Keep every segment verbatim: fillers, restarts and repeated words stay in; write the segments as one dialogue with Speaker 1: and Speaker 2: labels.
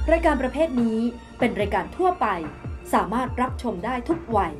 Speaker 1: รายการประเภทนี้เป็นรายการทั่วไปสามารถรับชมได้ทุกวัย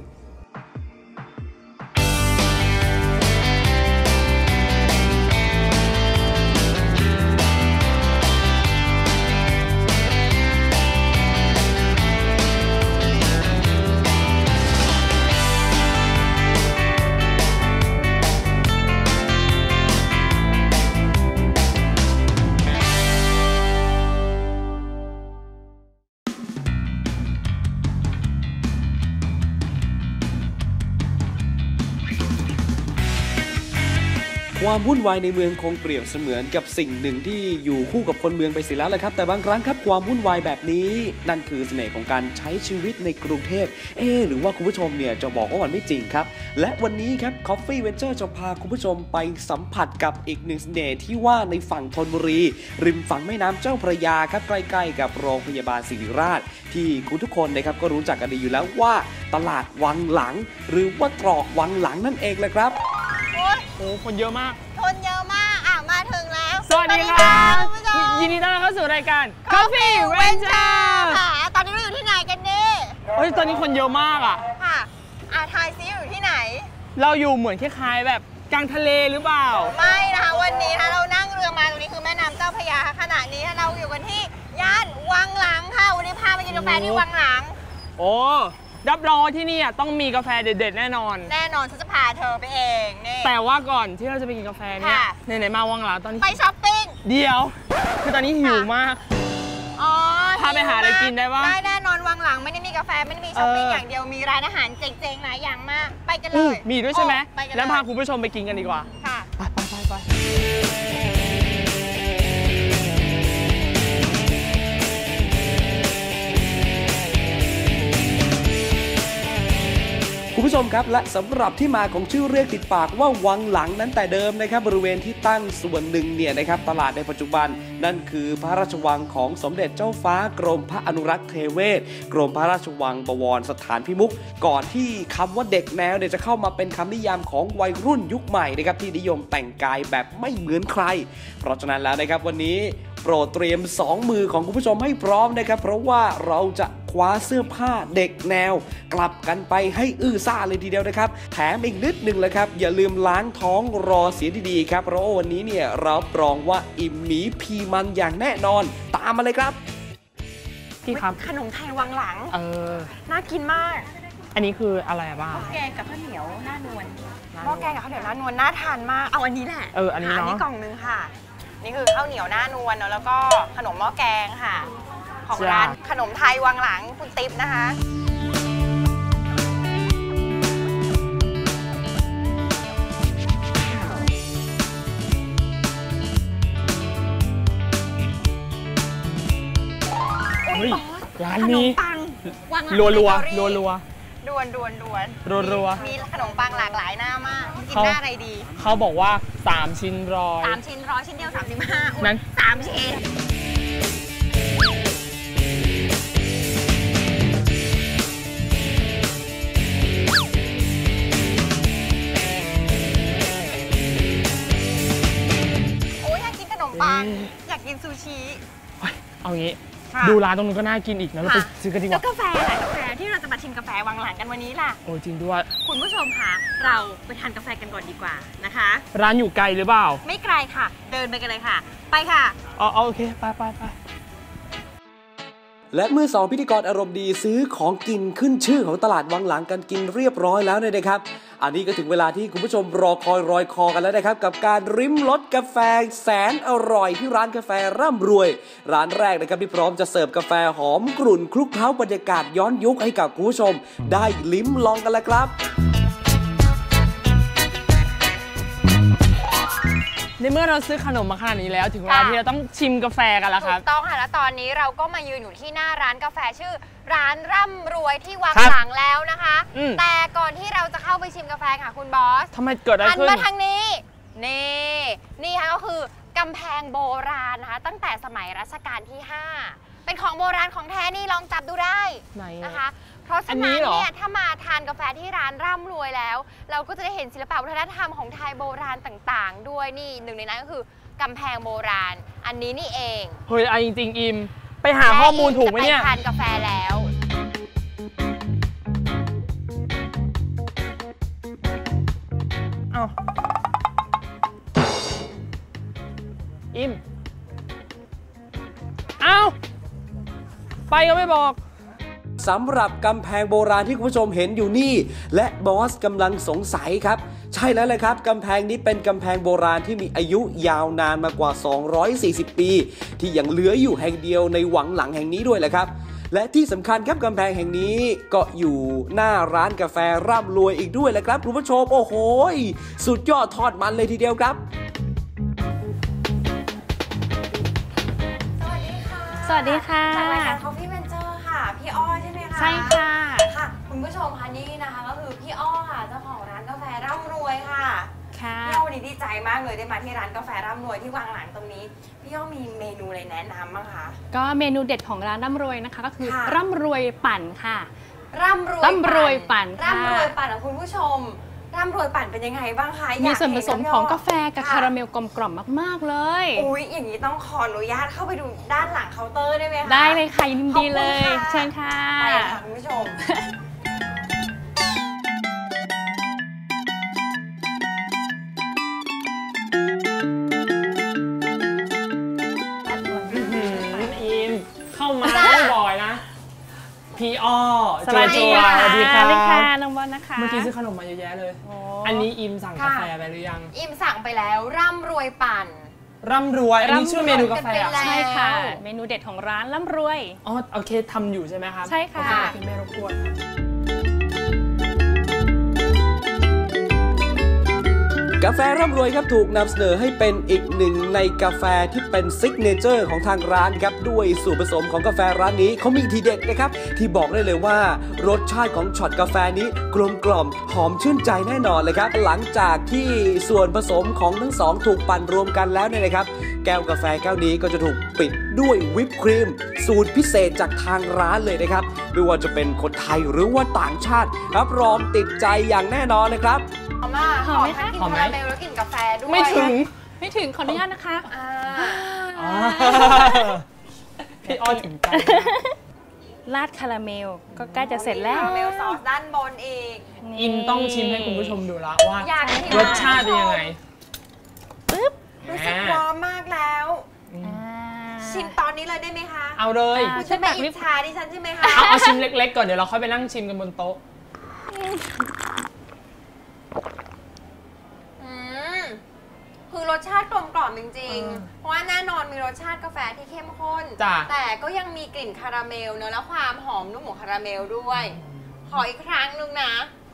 Speaker 2: ความวุ่นวายในเมืองคงเปรียบเสมือนกับสิ่งหนึ่งที่อยู่คู่กับคนเมืองไปเสียแล้วแหละครับแต่บางครั้งครับความวุ่นวายแบบนี้นั่นคือเสน่ห์ของการใช้ชีวิตในกรุงเทพเอ๊หรือว่าคุณผู้ชมเนี่ยจะบอกว่ามันไม่จริงครับและวันนี้ครับ Coffee Venture จะพาคุณผู้ชมไปสัมผัสกับอีกหนึ่งเสน่ห์ที่ว่าในฝั่งธนบุรีริมฝั่งแม่น้ำเจ้าพระยาครับใกล้ๆกับโรงพยาบาลศิริราชที่คุณทุกคนนะครับก็รู้จักกันดีอยู่แล้วว่าตลาดวังหลังหรือว่าตรอกวังหลังนั่นเองแหละครับ
Speaker 3: โอ้คนเยอะมาก
Speaker 4: คนเยอะมากอ่ะมาถึงแล้ว
Speaker 3: สวัสดีครับยินดีต้อนรับเข้าสู่รายการ Coffee Venture
Speaker 4: ค่ะตอนนี้เราอยู่ที่ไหนกันนี่
Speaker 3: เฮ้ยตอนนี้คนเยอะมากอ่ะ
Speaker 4: ค่ะอาทายซิอยู่ที่ไหน
Speaker 3: เราอยู่เหมือนคล้ายๆแบบกลางทะเลหรือเปล่า
Speaker 4: ไม่นะคะวันนี้ถ้าเรานั่งเรือมาตรงนี้คือแม่น้ำเจ้าพระยาขณะนี้เราอยู่กันที่ย่านวังหลังค่ะวันนี้พาไปกินกาแฟที่วังหลัง
Speaker 3: โอ้รับรองที่นี่ต้องมีกาแฟเด็ดๆแน่นอน
Speaker 4: แน่นอนฉันจะพาเธอไปเองนี่
Speaker 3: แต่ว่าก่อนที่เราจะไปกินกาแฟเนี่ยไหนๆมาวังหลังตอนนี้
Speaker 4: ไปช้อปปิ้ง
Speaker 3: เดี๋ยวคือตอนนี้หิวมาก
Speaker 4: อ๋อ
Speaker 3: พาไปหาอะไรกินได้ปะ
Speaker 4: ได้แน่นอนวังหลังไม่ได้มีกาแฟไม่ได้มีช้อปปิ้งอย่างเดียวมีร้านอาหารเจ๋งๆหลายอย่างมากไปกันเลย
Speaker 3: มีด้วยใช่ไหมแล้วพาคุณผู้ชมไปกินกันดีกว่า
Speaker 4: ค่ะ
Speaker 3: ไปไปไปไป
Speaker 2: คุณผู้ชมครับและสำหรับที่มาของชื่อเรียกติดปากว่าวังหลังนั้นแต่เดิมนะครับบริเวณที่ตั้งส่วนหนึ่งเนี่ยนะครับตลาดในปัจจุบันนั่นคือพระราชวังของสมเด็จเจ้าฟ้ากรมพระอนุรักษ์เทเวศกรมพระราชวังบวรสถานพิมุขก่อนที่คำว่าเด็กแนวเนี่ยจะเข้ามาเป็นคำนิยามของวัยรุ่นยุคใหม่นะครับที่นิยมแต่งกายแบบไม่เหมือนใครเพราะฉะนั้นแล้วนะครับวันนี้โปรดเตรียมสองมือของคุณผู้ชมให้พร้อมนะครับเพราะว่าเราจะคว้าเสื้อผ้าเด็กแนวกลับกันไปให้อื้อซ่าเลยทีเดียวนะครับแถมอีกนิดนึงเลยครับอย่าลืมล้างท้องรอเสียดีๆครับเพราะว่าวันนี้เนี่ยรับรองว่าอิ่มหมีพีมันอย่างแน่นอนตามมาเลยครับ
Speaker 3: พี่ครับ
Speaker 4: ขนมไทยวังหลัง
Speaker 3: เออ
Speaker 4: น่ากินมาก
Speaker 3: อันนี้คืออะไรบ้าง
Speaker 4: แกงกับข้าวเหนียวหน้านวลหม้อแกงกับข้าวเหนียวหน้านวลน่าทานมากเอาอันนี้แหละ
Speaker 3: เอออันนี้เนาะ
Speaker 4: อันนี้กล่องนึงค่ะนี่คือข้าวเหนียวหน้านวลเนาะแล้วก็ขนมหม้อแกงค่ะของร้านขนมไทยวังหลังคุณติ๊บนะคะ
Speaker 3: ร้านนี้รัวรัวรัวรัว
Speaker 4: ดวนดวนดวน
Speaker 3: รัวรัว
Speaker 4: มีขนมปังหลากหลายหน้ามากกินหน้าอะไรดี
Speaker 3: เขาบอกว่าสามชิ้นร้อย
Speaker 4: สามชิ้นร้อยชิ้นเดียวสามสิบห้านั้นสามชิ้นโอ้ยอยากกินขนมปังอยากกินซูชิ
Speaker 3: เอางี้ดูร้านตรงนู้นก็น่ากินอีกนะเราไปซื้อกันดีกว่า
Speaker 4: แล้วกาแฟแหละกาแฟที่เราจะมาชิมกาแฟวังหลังกันวันนี้ล่ะ
Speaker 3: โอ้จริงด้วย
Speaker 4: คุณผู้ชมคะเราไปทานกาแฟกันก่อนดีกว่านะคะ
Speaker 3: ร้านอยู่ไกลหรือเปล่า
Speaker 4: ไม่ไกลค่ะเดินไปกันเลยค่ะไปค่ะ
Speaker 3: อ๋อโอเคไปไปไป
Speaker 2: และเมื่อสองพิธีกรอารมณ์ดีซื้อของกินขึ้นชื่อของตลาดวังหลังกันกินเรียบร้อยแล้วเนี่ยนะครับอันนี้ก็ถึงเวลาที่คุณผู้ชมรอคอยรอยคอกันแล้วนะครับกับการริมรสกาแฟแสนอร่อยที่ร้านกาแฟร่ำรวยร้านแรกนะครับที่พร้อมจะเสิร์ฟกาแฟหอมกรุ่นคลุกเคล้าบรรยากาศย้อนยุคให้กับคุณผู้ชมได้ลิ้มลองกันแล้วครับ
Speaker 3: ในเมื่อเราซื้อขนมมาขนาดนี้แล้วถึงเวลาที่เราต้องชิมกาแฟกันแล้วครับ
Speaker 4: ถูกต้องค่ะและตอนนี้เราก็มายืนอยู่ที่หน้าร้านกาแฟชื่อร้านร่ำรวยที่วังหลังแล้วนะคะแต่ก่อนที่เราจะเข้าไปชิมกาแฟค่ะคุณบอส
Speaker 3: ทำไมเกิดอะไรขึ้น
Speaker 4: หันมาทางนี้นี่นี่ค่ะก็คือกำแพงโบราณนะคะตั้งแต่สมัยรัชกาลที่ห้าเป็นของโบราณของแท้นี่ลองจับดูได้นะคะเพราะฉะนั้นเนี่ยถ้ามาทานกาแฟที่ร้านร่ำรวยแล้วเราก็จะได้เห็นศิลปะวัฒนธรรมของไทยโบราณต่างๆด้วยนี่หนึ่งในนั้นก็คือกำแพงโบราณอันนี้นี่เอง
Speaker 3: เฮ้ยไอจริงๆอิมไปหาข้อมูลถูกไหมเนี่ย
Speaker 4: ไปทานกาแฟแล้ว
Speaker 3: เอาอิมเอาไปก็ไม่บอก
Speaker 2: สำหรับกำแพงโบราณที่คุณผู้ชมเห็นอยู่นี่และบอสกำลังสงสัยครับใช่แล้วเลยครับกำแพงนี้เป็นกำแพงโบราณที่มีอายุยาวนานมากว่าสองร้อยสี่สิบปีที่ยังเหลืออยู่แห่งเดียวในวังหลังแห่งนี้ด้วยแหละครับและที่สำคัญครับกำแพงแห่งนี้ก็อยู่หน้าร้านกาแฟร่ำรวยอีกด้วยแหละครับคุณผู้ชมโอ้โหสุดยอดทอดมันเลยทีเดียวครับ
Speaker 4: สวัสดีค่ะจากรายการ Coffee Venture ค่ะพี่อ้อใช่ไหมคะ
Speaker 5: ใช่ค่ะ
Speaker 4: ค่ะคุณผู้ชมคะนี่นะคะก็คือพี่อ้อค่ะเจ้าของร้านกาแฟร่ำรวยค่ะ
Speaker 5: ค่ะ
Speaker 4: พี่อ้อวันนี้ดีใจมากเลยได้มาที่ร้านกาแฟร่ำรวยที่วังหลังตรงนี้พี่อ้อมีเมนูอะไรแนะนำบ้างคะ
Speaker 5: ก็เมนูเด็ดของร้านร่ำรวยนะคะก็คือร่ำรวยปั่นค่ะ
Speaker 4: ร่ำรวย
Speaker 5: ร่ำรวยปั่น
Speaker 4: ร่ำรวยปั่นของคุณผู้ชมร่ำรวยปั่นเป็นยังไงบ้างคะ
Speaker 5: มีส่วนผสมของกาแฟกับคาราเมลกลมกล่อมมากๆเลย
Speaker 4: อุ้ยอย่างนี้ต้องขออนุญาตเข้าไปดูด้านหลังเคาน์เตอร์ได้ไหมคะ
Speaker 5: ได้เลยค่ะยินดีเลยเชิญค่ะ
Speaker 4: ไปค่ะคุณผู้ชม
Speaker 3: อิมเข้ามาไม่บ่อยนะพี่อ้อ
Speaker 5: สวัสดีค่ะสวัสดีค่ะน้องบอลนะคะ
Speaker 3: เมื่อกี้ซื้อขนมมาเยอะแยะเลยอันนี้อิมสั่งกาแฟไปหรือยัง
Speaker 4: อิมสั่งไปแล้วร่ำรวยปั่น
Speaker 3: ร่ำรวยอันนี้ชื่อเมนูกาแฟ
Speaker 5: ใช่ค่ะเมนูเด็ดของร้านร่ำรวย
Speaker 3: อ๋อโอเคทำอยู่ใช่ไหมครับ
Speaker 5: ใช่ค่ะ
Speaker 3: พี่ไม่รบกวน
Speaker 2: กาแฟร่ำรวยครับถูกนำเสนอให้เป็นอีกหนึ่งในกาแฟที่เป็นซิกเนเจอร์ของทางร้านครับด้วยส่วนผสมของกาแฟร้านนี้เขามีทีเด็ดนะครับที่บอกได้เลยว่ารสชาติของช็อตกาแฟนี้กลมกล่อมหอมชื่นใจแน่นอนเลยครับหลังจากที่ส่วนผสมของทั้งสองถูกปั่นรวมกันแล้วเนี่ยนะครับแก้วกาแฟแก้วนี้ก็จะถูกปิดด้วยวิปครีมสูตรพิเศษจากทางร้านเลยนะครับไม่ว่าจะเป็นคนไทยหรือว่าต่างชาติรับรองติดใจอย่างแน่นอนนะครับ
Speaker 4: หอมมากหอมไหมคะกินคาราเมลแล้วกินกาแฟด้วย
Speaker 3: ไม่ถึง
Speaker 5: ไม่ถึงขออนุญาตนะคะ
Speaker 3: พี่อ้อถึงใจ
Speaker 5: ราดคาราเมลก็ใกล้จะเสร็จแล้ว
Speaker 4: คาราเมลซอสด้านบนอีก
Speaker 3: อิมต้องชิมให้คุณผู้ชมดูแล้วว่ารสชาติเป็นยังไง
Speaker 5: ปึ๊บ
Speaker 4: รู้สึกพร้อมมากแล้วชิมตอนนี้เลยได้ไหมคะ
Speaker 3: เอาเลย
Speaker 4: คุณจะไม่อิจฉาดิฉันใช่ไหมคะ
Speaker 3: เอาเอาชิมเล็กๆก่อนเดี๋ยวเราค่อยไปนั่งชิมกันบนโต๊ะ
Speaker 4: คือรสชาติกลมกล่อมจริงๆเพราะว่าแน่นอนมีรสชาติกาแฟที่เข้มข้นแต่ก็ยังมีกลิ่นคาราเมลเนอะและความหอมนุ่มของคาราเมลด้วยขออีกครั้งนึงนะ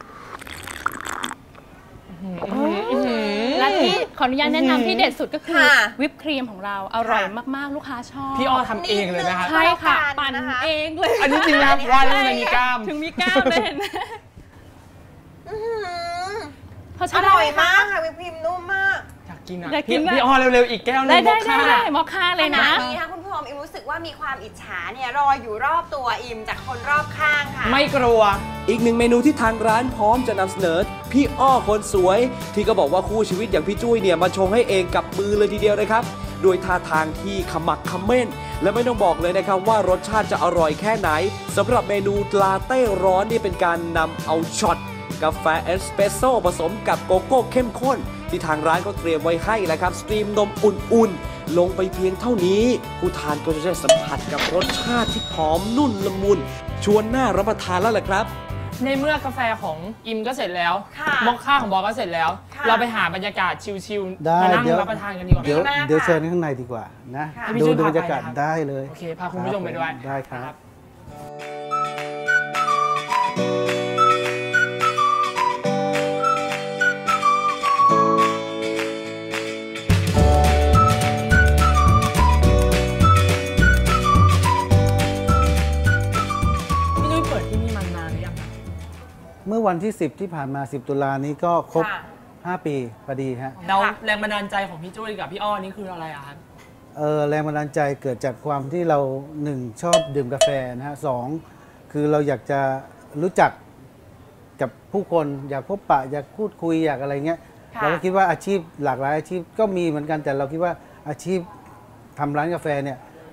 Speaker 5: และที่ขออนุญาตแนะนำที่เด็ดสุดก็คือวิปครีมของเราอร่อยมากๆลูกค้าชอบ
Speaker 3: พี่อ้อทำเองเลยนะคะ
Speaker 5: ใช่ค่ะปั่นเองเลย
Speaker 3: อันนี้จริงนะว่าแล้วมันมีกล้าม
Speaker 5: ถึงมีกล้ามเลยเห็นไหม
Speaker 4: อร่อยมากค่ะวิปครีมนุ่มมาก
Speaker 3: อยากกินอ่ะพี่อ้อเร็วๆอีกแก้วนึง
Speaker 5: มอคค่าได้มอคค่าเลยนะ
Speaker 4: นี้ค่ะคุณผู้ชมอิมรู้สึกว่ามีความอิจฉาเนี่ยรออยู่รอบตัวอิมจากคนรอบข้างค่ะ
Speaker 3: ไม่กลัว
Speaker 2: อีกหนึ่งเมนูที่ทางร้านพร้อมจะนำเสนอพี่อ้อคนสวยที่ก็บอกว่าคู่ชีวิตอย่างพี่จุ้ยเนี่ยมาชงให้เองกับมือเลยทีเดียวนะครับโดยท่าทางที่ขมักเขม้นและไม่ต้องบอกเลยนะครับว่ารสชาติจะอร่อยแค่ไหนสำหรับเมนูลาเต้ร้อนนี่เป็นการนำเอาช็อตกาแฟเอสเปรสโซ่ผสมกับโกโก้เข้มข้นที่ทางร้านก็เตรียมไว้ให้แล้วครับสตรีมนมอุ่นๆลงไปเพียงเท่านี้ผู้ทานก็จะได้สัมผัสกับรสชาติที่หอมนุ่นละมุนชวนน่ารับประทานแล้วแหละครับ
Speaker 3: ในเมื่อกาแฟของอิมก็เสร็จแล้วมอคค่าของบอสก็เสร็จแล้วเราไปหาบรรยากาศชิลๆมานั่งรับประทานกันดีกว่า
Speaker 6: เดี๋ยวเดี๋ยวเชิญข้างในดีกว่านะดูบรรยากาศได้เลย
Speaker 3: โอเคพาคุณผู้ชมไปด้วย
Speaker 6: ได้ครับเมื่อวันที่สิบที่ผ่านมาสิบตุลานี้ก็ครบห้าปีพอดีฮะ
Speaker 3: แล้วแรงบันดาลใจของพี่จุ้ยกับพี่อ้อนี่คืออะไรอะครับ
Speaker 6: เออแรงบันดาลใจเกิดจากความที่เราหนึ่งชอบดื่มกาแฟนะฮะสองคือเราอยากจะรู้จักกับผู้คนอยากพบปะอยากพูดคุยอยากอะไรเงี้ยเราก็คิดว่าอาชีพหลากหลายอาชีพก็มีเหมือนกันแต่เราคิดว่าอาชีพทำร้านกาแฟเนี่ย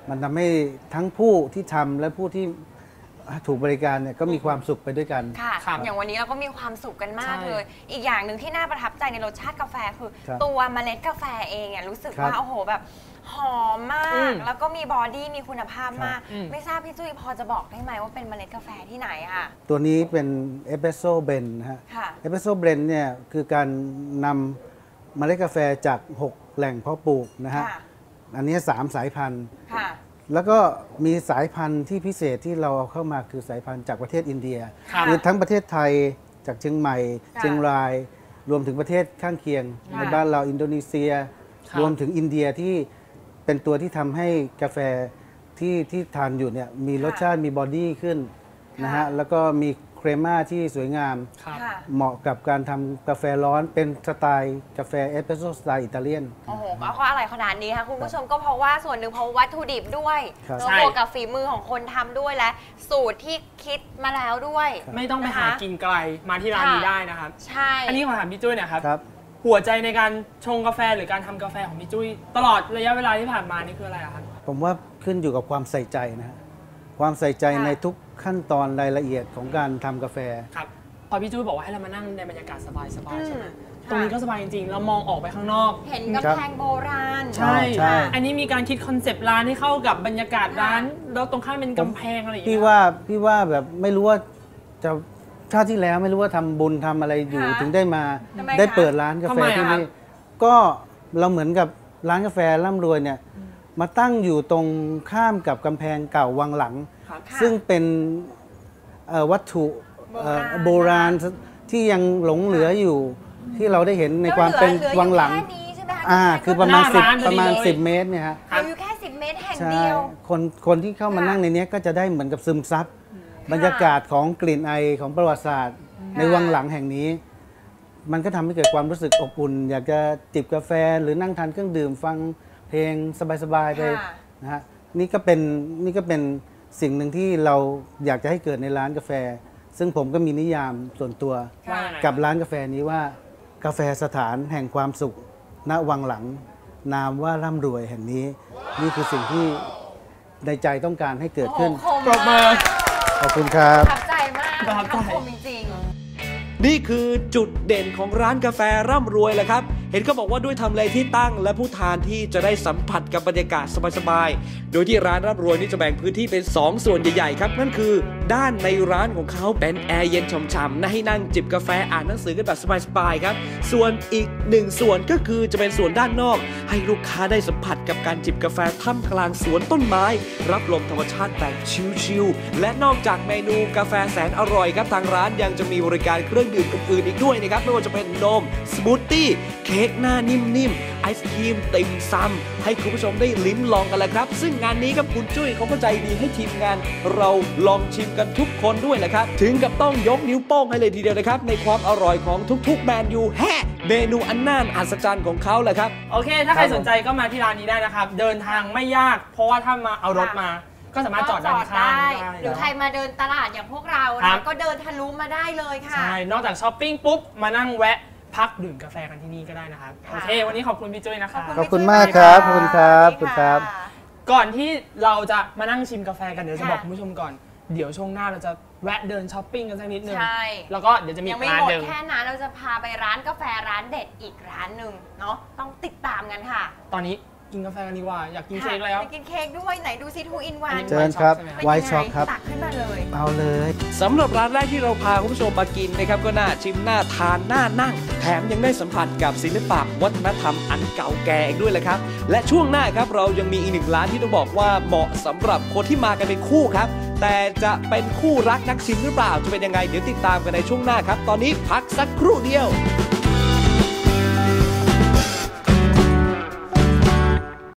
Speaker 6: มันทำให้ทั้งผู้ที่ทำและผู้ที่ถูกบริการเนี่ยก็มีความสุขไปด้วยกัน
Speaker 4: ค่ะอย่างวันนี้เราก็มีความสุขกันมากเลยอีกอย่างหนึ่งที่น่าประทับใจในรสชาติกาแฟคือตัวเมล็ดกาแฟเองเนี่ยรู้สึกว่าโอ้โหแบบหอมมากแล้วก็มีบอดี้มีคุณภาพมากไม่ทราบพี่จุ้ยพอจะบอกได้ไหมว่าเป็นเมล็ดกาแฟที่ไหนอ่ะตัวนี้เป็นเอสเปรสโซ่เบรนด์นะฮะเอสเปรสโซ่เบรนด์เนี่ยคือการนำเมล็ดกาแฟจากหกแหล่งเพาะปลูกนะฮะอันนี้สามสายพันธุ์แล้วก็มีสายพันธุ์ที่พิเศษที่เราเอาเข้ามาคือสายพันธุ์จากประเทศอินเดียคือทั้งประเทศไทยจากเชียงใหม่เชียงรายรวมถึงประเทศข้างเคียงในบ้านเราอินโดนีเซียรวมถึงอินเดียที่เป็นตัวที่ทำให้กาแฟที่ที่ทานอยู่เนี่ยมีรสชาติมีบอดี้ขึ้นนะฮะแล้วก็มีเครม่าที่สวยงามเหมาะกับการทำกาแฟร้อนเป็นสไตล์กาแฟเอสเปรสโซ่สไตล์อิตาเลียนโอ้โหก็เพราะอะไรขนาดนี้คะคุณผู้ชมก็เพราะว่าส่วนหนึ่งเพราะวัตถุดิบด้วยแล้วบวกกับฝีมือของคนทำด้วยและสูตรที่คิดมาแล้วด้วย
Speaker 3: ไม่ต้องไปหากินไกลมาที่ร้านนี้ได้นะครับ
Speaker 4: ใช่
Speaker 3: อันนี้ขอถามพี่จุ้ยนะครับหัวใจในการชงกาแฟหรือการทำกาแฟของพี่จุ้ยตลอดระยะเวลาที่ผ่านมานี่คืออะไรครับ
Speaker 6: ผมว่าขึ้นอยู่กับความใส่ใจนะฮะความใส่ใจในทุกขั้นตอนรายละเอียดของการทำกาแฟ
Speaker 3: ครับพอพี่จุ้ยบอกว่าให้เรามานั่งในบรรยากาศสบายๆใช่ไหมตรงนี้ก็สบายจริงๆเรามองออกไปข้างนอก
Speaker 4: เห็นกำแพงโบราณ
Speaker 3: ใช่อันนี้มีการคิดคอนเซปต์ร้านให้เข้ากับบรรยากาศร้านแล้วตรงข้างเป็นกำแพงอะไรอย่างเงี้ย
Speaker 6: พี่ว่าพี่ว่าแบบไม่รู้ว่าจะชาติที่แล้วไม่รู้ว่าทำบุญทำอะไรอยู่ถึงได้มาได้เปิดร้านกาแฟที่นี่ก็เราเหมือนกับร้านกาแฟร่ำรวยเนี่ยมาตั้งอยู่ตรงข้ามกับกำแพงเก่าวังหลังซึ่งเป็นวัตถุโบราณที่ยังหลงเหลืออยู่ที่เราได้เห็นในความเป็นวังหลังอ่าคือประมาณสิบประมาณสิบเมตรเนี่ยฮะ
Speaker 4: อยู่แค่สิบเมตรแห่งเดียว
Speaker 6: คนคนที่เข้ามานั่งในนี้ก็จะได้เหมือนกับซึมซับบรรยากาศของกลิ่นไอของประวัติศาสตร์ในวังหลังแห่งนี้มันก็ทำให้เกิดความรู้สึกอบอุ่นอยากจะจิบกาแฟหรือนั่งทานเครื่องดื่มฟังเพลงสบายๆไปนะฮะนี่ก็เป็นนี่ก็เป็นสิ่งหนึ่งที่เราอยากจะให้เกิดในร้านกาแฟซึ่งผมก็มีนิยามส่วนตัวกับร้านกาแฟนี้ว่ากาแฟสถานแห่งความสุขณวังหลังนามว่าร่ำรวยแห่งนี้นี่คือสิ่งที่ในใจต้องการให้เกิดขึ้น
Speaker 3: ปรบมือ
Speaker 6: ขอบคุณครับ
Speaker 4: ประทับใจมากประทับใจจริง
Speaker 2: นี่คือจุดเด่นของร้านกาแฟร่ำรวยแหละครับเห็นเขาบอกว่าด้วยทำเลที่ตั้งและผู้ทานที่จะได้สัมผัสกับบรรยากาศสบายๆโดยที่ร้านร่ำรวยนี่จะแบ่งพื้นที่เป็นสองส่วนใหญ่ๆครับนั่นคือด้านในร้านของเขาเป็นแอร์เย็นฉ่ำๆนะให้นั่งจิบกาแฟอ่านหนังสือกันแบบสบายๆครับส่วนอีกหนึ่งส่วนก็คือจะเป็นส่วนด้านนอกให้ลูกค้าได้สัมผัสกับการจิบกาแฟท่ามกลางสวนต้นไม้รับลมธรรมชาติแบบชิลๆและนอกจากเมนูกาแฟแสนอร่อยครับทางร้านยังจะมีบริการเครื่องดื่มอื่นๆอีกด้วยนะครับไม่ว่าจะเป็นนมสมูทตี้เค้กหน้านิ่มๆไอศครีมติ่มซำให้คุณผู้ชมได้ลิ้มลองกันแหละครับซึ่งงานนี้ครับคุณจุ้ยเขาก็ใจดีให้ทีมงานเราลองชิมกันทุกคนด้วยแหละครับถึงกับต้องยกนิ้วโป้งให้เลยทีเดียวนะครับในความอร่อยของทุกๆแมนยูแฮะเมนูอันน่าอัศจรรย์ของเขาแหละครับ
Speaker 3: โอเคถ้าใครสนใจก็มาที่ร้านนี้ได้นะครับเดินทางไม่ยากเพราะว่าถ้ามาเอารถมาก็สามารถจอดด้านข้างได้
Speaker 4: หรือใครมาเดินตลาดอย่างพวกเรานะก็เดินทะลุมาได้เลยค่ะ
Speaker 3: ใช่นอกจากช้อปปิ้งปุ๊บมานั่งแวะพักดื่มกาแฟกันที่นี่ก็ได้นะครับโอเควันนี้ขอบคุณพี่จุ้ยนะครับ
Speaker 6: ขอบคุณมากครับขอบคุณครับขอบคุณครับ
Speaker 3: ก่อนที่เราจะมานั่งชิมกาแฟกันเดี๋ยวจะบอกคุณผู้ชมก่อนเดี๋ยวช่วงหน้าเราจะแวะเดินช้อปปิ้งกันสักนิดนึงแล้วก็เดี๋ยวจะมีร้านหนึ่ง
Speaker 4: แค่นั้นเราจะพาไปร้านกาแฟร้านเด็ดอีกร้านหนึ่งเนาะต้องติดตามกันค่ะ
Speaker 3: ตอนนี้กินกาแฟกันดีกว่าอยากกินเค้กแล้ว
Speaker 4: ไปกินเค้กด้วยไหนดูซิทูอินวัน
Speaker 6: เชิญครับไวท์ช็อกครับ
Speaker 4: ตักขึ้นมาเลย
Speaker 6: เอาเลย
Speaker 2: สำหรับร้านแรกที่เราพาคุณผู้ชมมากินนะครับก็น่าชิมน่าทานน่านั่งแถมยังได้สัมผัสกับศิลปะวัฒนธรรมอันเก่าแก่อีกด้วยแหละครับและช่วงหน้าครับเรายังมีอีกหนึ่งร้านที่ต้องบอกว่าเหมาะสำหรับคนที่มากันเป็นคู่ครับแต่จะเป็นคู่รักนักชิมหรือเปล่าจะเป็นยังไงเดี๋ยวติดตามกันในช่วงหน้าครับตอนนี้พักสักครู่เดียว